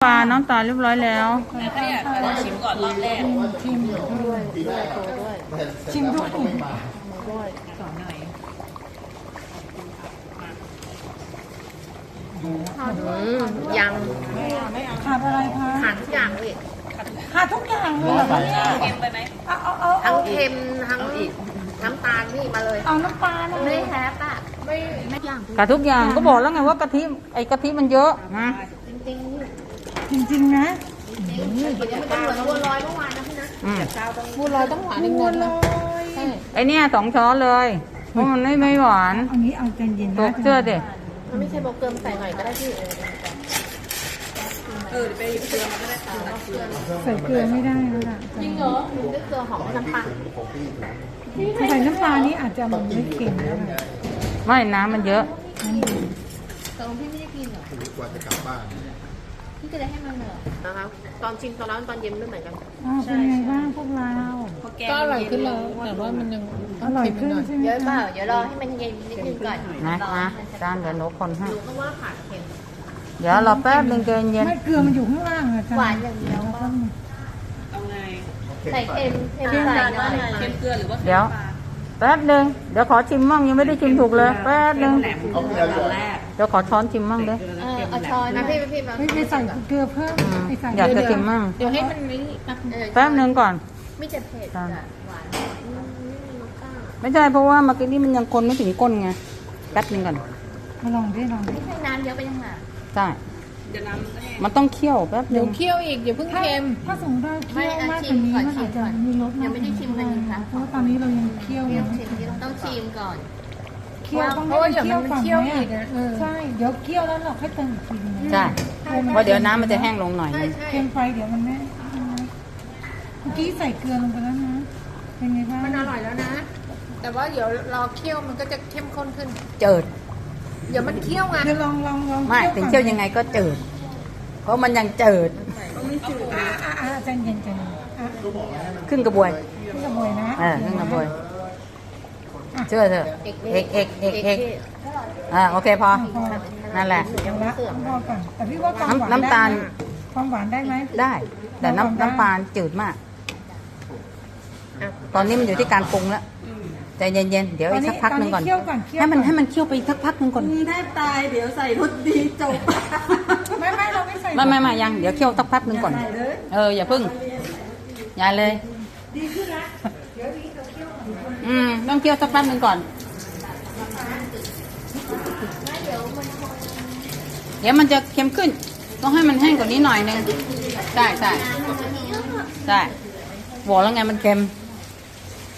ลาน้ำตาลเรียบร้อยแล้วชิมก่อนรอบแรกชิมด้วยชิมด้วยสอนหน่อยยังขาดอะไรคะขาดทุกอย่างเลยขาดทุกอย่างเลยเหรอเนี่ยเค็มไปไหมทั้งเค็มทั้งน้ำตาลนี่มาเลยเอาน้ำปลานะไม่แฮปอ่ะไม่อย่างกับทุกอย่างก็บอกแล้วไงว่ากะทิกะทิมันเยอะนะจริงจริงๆนะๆจริงๆมันจะเหมือนบัวลอยเมื่อวานนะพี่นะบัวลอยต้องหวานนิดนึงนะไอเนี่ย2 ช้อนเลยเพราะมันไม่หวานอันนี้เอาใจเย็นตนะกเชื่อดิมันไม่ใช่โบเกิมใส่หน่อยก็ได้พี่ไปหยิบเกลือมาก็ได้ค่ะเกลือใส่เกลือไม่ได้แล้วล่ะจริงเหรอด้วยเกลือหอมน้ำปลาใส่น้ำปลานี่อาจจะมันไม่เค็มแล้วนะไม่น้ำมันเยอะตอนพี่ไม่ได้กินเหรอพี่จะได้ให้มันเหรอนะครับตอนชิมตอนร้อนตอนเย็นไม่เหมือนกันเป็นไงบ้างพวกเราก็อร่อยขึ้นแล้วแต่ว่ามันยังอร่อยขึ้นใช่ไหมเยอะเปคะล่าเดี๋ยวรอให้มันเย็นนิดนึงก่อนนะจานเดี๋ยวหนูคนให้รู้ก็ว่าขาดเค็มเดี๋ยวรอแป๊บนึงใจเย็นไม่เกลือมันอยู่ข้างล่างอะจ้ะหวานอย่างเดียวแล้วก็เอาไงใส่เค็มใส่หน่อยเค็มเกลือหรือว่าเดี๋ยวแป๊บนึงเดี๋ยวขอชิมมั่งยังไม่ได้ชิมถูกเลยแป๊บนึงแหลมตอนแรกเดี๋ยวขอช้อนชิมมั่งเด้อเอาช้อนนะพี่มาไม่ใส่เกลือเพิ่มไม่ใส่อยากจะชิมมั่งเดี๋ยวให้มันไม่แป๊บนึงก่อนไม่จะเผ็ดหวานไม่มีรสชาติไม่ใช่เพราะว่าเมื่อกี้นี้มันยังคนไม่ถึงก้นไงแป๊บนึงก่อนมาลองดิลองดิไม่ใช่น้ำเยอะไปยังไงใช่เดี๋ยวน้ำแห้งมันต้องเคี่ยวแป๊บนึงเคี่ยวอีกอย่าเพิ่งถ้าเค็มถ้าสมมติว่าเคี่ยวมากกว่านี้มันอาจจะมีรสมากกว่านี้เพราะว่าตอนนี้เรายังเคี่ยวยังต้องชิมก่อนเคี่ยวต้องให้มันเคี่ยวก่อนไหมใช่เดี๋ยวเคี่ยวแล้วเราค่อยเติมอีกทีนึงใช่เพราะเดี๋ยวน้ำมันจะแห้งลงหน่อยนึงเค็มไปเดี๋ยวมันไม่เมื่อกี้ใส่เกลือลงไปแล้วนะเป็นไงบ้างมันอร่อยแล้วนะ แต่ว่าเดี๋ยวรอเคี่ยวมันก็จะเข้มข้นขึ้นเจิดเดี๋ยวมันเคี่ยวไงเดี๋ยวลองไม่ถึงเคี่ยวยังไงก็เจิด เพราะมันยังเจิดใจเย็นใจเย็นขึ้นกระบวยพี่กระบวยนะขึ้นกระบวยเชื่อเถอะเอกโอเคพอนั่นแหละละพอก่อนแต่พี่ว่าความหวานน้ำตาลความหวานได้ไหมได้ แต่น้ำตาลจืดมาก ตอนนี้มันอยู่ที่การปรุงแล้วใจเย็นๆเดี๋ยวอีกสักพักหนึ่งก่อนให้มันเคี่ยวไปสักพักหนึ่งก่อนแทบตายเดี๋ยวใส่รสดีจบไม่เราไม่ใส่ไม่ยังเดี๋ยวเคี่ยวสักพักหนึ่งก่อนอย่าพึ่งอย่าเลยดีขึ้นละต้องเคี่ยวสักพักหนึ่งก่อนเดี๋ยวมันจะเค็มขึ้นต้องให้มันแห้งกว่านี้หน่อยนึงได้บอกแล้วไงมันเค็ม